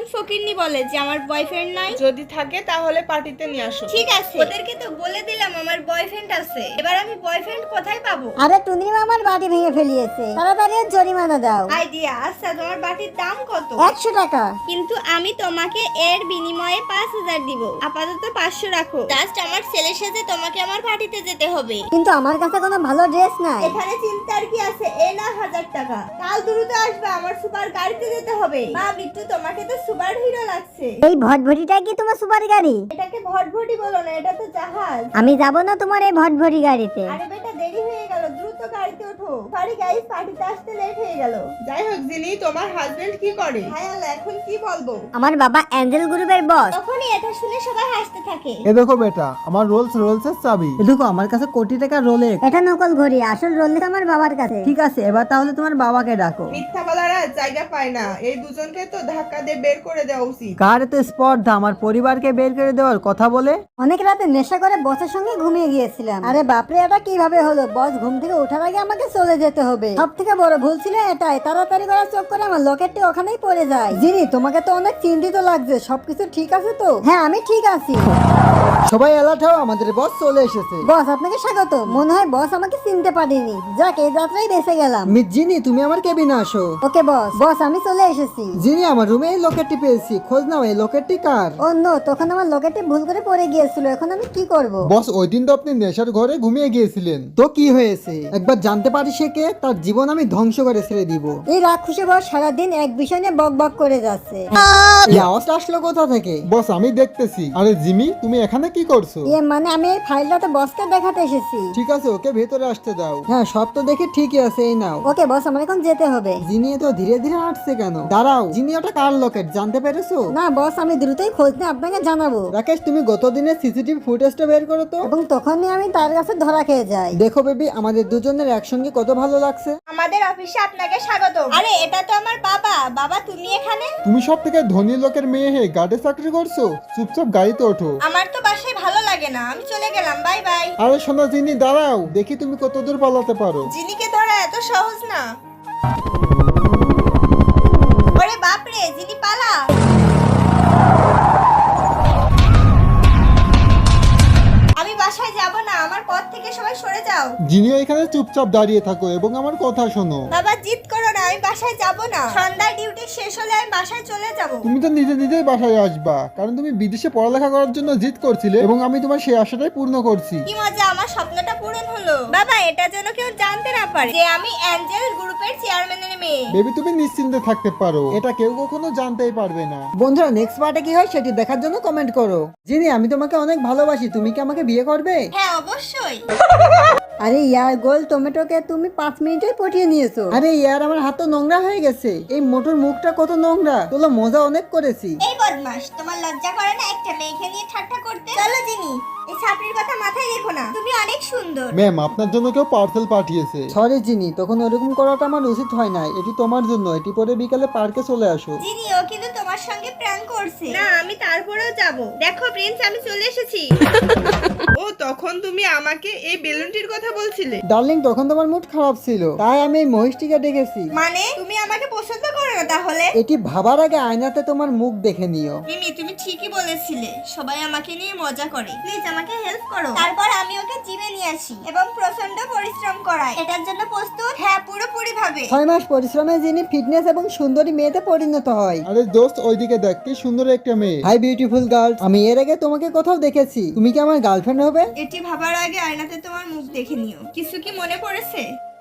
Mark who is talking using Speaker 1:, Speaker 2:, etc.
Speaker 1: ফকিরনি বলে যে আমার বয়ফ্রেন্ড নাই?
Speaker 2: যদি থাকে তাহলে পার্টিতে নিয়ে আসো।
Speaker 1: ঠিক আছে, ওদেরকে তো বলে দিলাম আমার বয়ফ্রেন্ড আছে, এবার আমি বয়ফ্রেন্ড কোথায় পাবো?
Speaker 3: আরে টুনিমা আমার বাটি ভেঙে ফেলিয়েছে, তাড়াতাড়ি ওর জরিমানা দাও।
Speaker 1: আইডিয়া। আচ্ছা, তোমার বাটির দাম কত?
Speaker 3: 100 টাকা।
Speaker 1: কিন্তু আমি তোমাকে এর বিনিময়ে 5000 দিব। আপাতত 500 রাখো। জাস্ট আমার ছেলের সাথে তোমাকে আমার পার্টিতে যেতে হবে।
Speaker 3: কিন্তু আমার কাছে কোনো ভালো ড্রেস নাই।
Speaker 1: এখানে চিন্তার কি আছে? এই না 1000 টাকা। কাল দ্রুত আসবে, আমার সুপার গাড়িতে যেতে হবে। মা বিট্টু, তোমাকে তো সুপার হিরো লাগছে।
Speaker 3: এই ভটভটিটা কি তোমার সুপার গাড়ি?
Speaker 1: এটাকে ভটভটি বলো না, এটা তো জাহাজ।
Speaker 3: আমি যাব না তোমার এই ভটভটি গাড়িতে।
Speaker 1: আরে বেটা, দেরি হয়ে গেল, দ্রুত গাড়িতে ওঠো। সরি গাইস, পার্টিতে আসতে লেট হয়ে গেল।
Speaker 2: যাই হোক জিনি, তোমার হাজবেন্ড কি করে?
Speaker 1: হ্যাঁ আল্লাহ, এখন কি বলবো?
Speaker 3: আমার বাবা অ্যাঞ্জেল গ্রুপের বস।
Speaker 1: তখনই এটা শুনে সবাই হাসতে থাকে।
Speaker 4: এ দেখো বেটা, আমার রোলসের চাবি।
Speaker 5: এ দেখো আমার কাছে কোটি টাকা রোলেক্স।
Speaker 3: এটা নকল ঘড়ি, আসল রোলেক্স আমার বাবার কাছে।
Speaker 5: ঠিক আছে, এবার তাহলে তোমার বাবাকে ডাকো।
Speaker 2: মিথ্যা বলারা জায়গা পায় না, এই দুজনকে তো ধাক্কা দিয়ে বের করে দেওয়া উচিত।
Speaker 5: কার এত স্পর্ধা আমার পরিবারকে বের করে দেওয়ার কথা বলে?
Speaker 3: অনেক রাতে নেশা করে বসের সঙ্গে ঘুমিয়ে গিয়েছিলাম। আরে বাপরে, এটা কিভাবে হলো? বস ঘুম থেকে ওঠার আগে আমাকে চলে যেতে হবে। সব থেকে বড় ভুল ছিল এটাই, তাড়াতাড়ি করার চোখ করে আমার লকেটটি ওখানেই পড়ে যায়। জিনি, তোমাকে তো অনেক চিন্তিত লাগছে, সবকিছু ঠিক আছে তো? হ্যাঁ, আমি ঠিক আছি।
Speaker 5: সবাই অ্যালার্ট হও, আমাদের বস চলে এসেছে।
Speaker 3: বস, আপনাকে স্বাগত। মনে হয় বস আমাকে চিনতে পারেনি। যাক, এই যাত্রায় বেঁচে গেলাম।
Speaker 5: মিস জিনি, তুমি আমার কেবিনে আসো।
Speaker 3: ওকে বস। বস, আমি চলে এসেছি।
Speaker 5: জিনি, আমার রুমে এই লকেটটি পেয়েছি, খোঁজ নাও এই লকেটটি কার।
Speaker 3: ও নো, তখন আমার লকেটটি ভুল করে পড়ে গিয়েছিল, এখন আমি কি করব?
Speaker 4: বস, ওই দিন তো আপনি নেশার ঘরে ঘুমিয়ে গিয়েছিলেন।
Speaker 5: তো কি হয়েছে? একবার জানতে পারি সে কে, তার জীবন আমি ধ্বংস করে ছেড়ে দিব।
Speaker 3: এই রাক্ষসে বস সারাদিন এক বিষয় নিয়ে বক বক করে যাচ্ছে।
Speaker 5: এই আওয়াজটা আসলো কোথা থেকে?
Speaker 4: বস, আমি দেখতেছি। আরে জিমি, তুমি এখানে কি করছো?
Speaker 3: মানে আমি এই ফাইলটা তো বসকে দেখাতে এসেছি।
Speaker 4: ঠিক আছে, ওকে ভেতরে আসতে দাও।
Speaker 5: হ্যাঁ, সব তো দেখে ঠিকই আছে, এই নাও।
Speaker 3: ওকে বস, আমার এখন যেতে হবে।
Speaker 5: জিনি তো ধীরে ধীরে হাঁটছে কেন? দাঁড়াও, জিনি ওটা কার লকেট জানতে পেরেছো?
Speaker 3: না বস, আমি দ্রুতই খোঁজ নিয়ে আপনাকে জানাবো।
Speaker 5: রাকেশ, তুমি গত দিনের সিসিটিভি ফুটেজটা বের করো তো।
Speaker 3: এবং তখনই আমি তার কাছে ধরা খেয়ে যাই।
Speaker 5: দেখো বেবি, আমাদের দুজনের একসঙ্গে কত ভালো লাগছে।
Speaker 1: আমাদের অফিসে আপনাকে স্বাগত। আরে এটা তো আমার বাবা। বাবা, তুমি এখানে?
Speaker 4: তুমি সব থেকে ধনী লোকের মেয়ে হয়ে গার্ডে চাকরি করছো? চুপচাপ গাড়িতে ওঠো।
Speaker 1: আমার তো বাসায় ভালো লাগে না, আমি চলে গেলাম, বাই বাই।
Speaker 4: আরে শোনো জিনি, দাঁড়াও, দেখি তুমি কত দূর পালাতে পারো।
Speaker 1: জিনিকে ধরা এত সহজ না। ওরে বাপরে, জিনি পালা। আমি বাসায় যাব না, আমার পথ থেকে সবাই সরে যাও।
Speaker 4: জিনিও এখানে চুপচাপ দাঁড়িয়ে থাকো এবং আমার কথা শোনো।
Speaker 1: বাবা, জিদ করো না, আমি বাসায় যাব না। সন্ধ্যার ডিউটি শেষ হলে আমি বাসায় চলে যাব।
Speaker 4: তুমি তো নিজে নিজেই বাসায় আসবা, কারণ তুমি বিদেশে পড়ালেখা করার জন্য জিদ করছিলে এবং আমি তোমার সেই আশাটাই পূর্ণ করছি।
Speaker 1: কি মজা, আমার স্বপ্নটা পূরণ হলো। বাবা, এটা যেন কেউ জানতে না পারে যে আমি অ্যাঞ্জেল গ্রুপের চেয়ারম্যানের মেয়ে।
Speaker 4: বেবি, তুমি নিশ্চিন্তে থাকতে পারো, এটা কেউ কখনো জানতেই পারবে না।
Speaker 5: বন্ধুরা, নেক্সট পার্টে কি হয় সেটি দেখার জন্য কমেন্ট করো। জিনি, আমি তোমাকে অনেক ভালোবাসি, তুমি কি আমাকে বিয়ে করবে?
Speaker 1: হ্যাঁ, অবশ্যই।
Speaker 3: আরে ইয়ার গোল টমেটোকে তুমি 5 মিনিটেই পটিয়ে নিয়েছো।
Speaker 5: আরে ইয়ার, আমার হাত তো নোংরা হয়ে গেছে। এই মোটর মুখটা কত নোংরা। তোলা মজা অনেক করেছি।
Speaker 1: এই বদমাস, তোমার লজ্জা করে না একটা মেয়েকে নিয়ে ঠাট্টা করতে? চলো জিনি, এই ছাপড়ির কথা মাথায় রেখো না, তুমি অনেক সুন্দর।
Speaker 4: ম্যাম, আপনার জন্য কেউ পার্সেল পাঠিয়েছে।
Speaker 5: সরি জিনি, তখন ওরকম করাটা আমার উচিত হয় না। এটি তোমার জন্য, এটি পরে বিকালে পার্কে চলে আসো।
Speaker 1: জিনি, ও কিন্তু তোমার সঙ্গে প্র্যাঙ্ক করছে। না, আমি তারপরেও যাব। দেখো প্রিন্স, আমি চলে এসেছি।
Speaker 2: ও, তখন তুমি আমাকে এই বেলুনটির কথা বলছিলে?
Speaker 5: ডার্লিং, তখন তোমার মুড খারাপ ছিল, তাই আমি এই মহিষটিকে ডেকেছি।
Speaker 1: মানে তুমি আমাকে পছন্দ করো না তাহলে?
Speaker 5: এটি ভাবার আগে আয়নাতে তোমার মুখ দেখে নিও।
Speaker 1: মিমি, তুমি ঠিকই বলেছিলে, সবাই আমাকে নিয়ে মজা করে। প্লিজ আমাকে হেল্প করো। তারপর আমি ওকে জিমে নিয়ে আসি এবং প্রচন্ড পরিশ্রম করাই। এটার জন্য প্রস্তুত? হ্যাঁ, পুরোপুরি ভাবে।
Speaker 5: 6 মাস পরিশ্রমে যিনি ফিটনেস এবং সুন্দরী মেয়েতে পরিণত হয়।
Speaker 4: আরে দোস্ত, ওইদিকে দেখ, কি সুন্দর একটা মেয়ে।
Speaker 5: হাই বিউটিফুল গার্ল, আমি এর আগে তোমাকে কোথাও দেখেছি। তুমি কি আমার গার্লফ্রেন্ড হবে?
Speaker 1: এটি ভাবার আগে আয়নাতে তোমার মুখ দেখে নিও। কিছু কি মনে পড়েছে?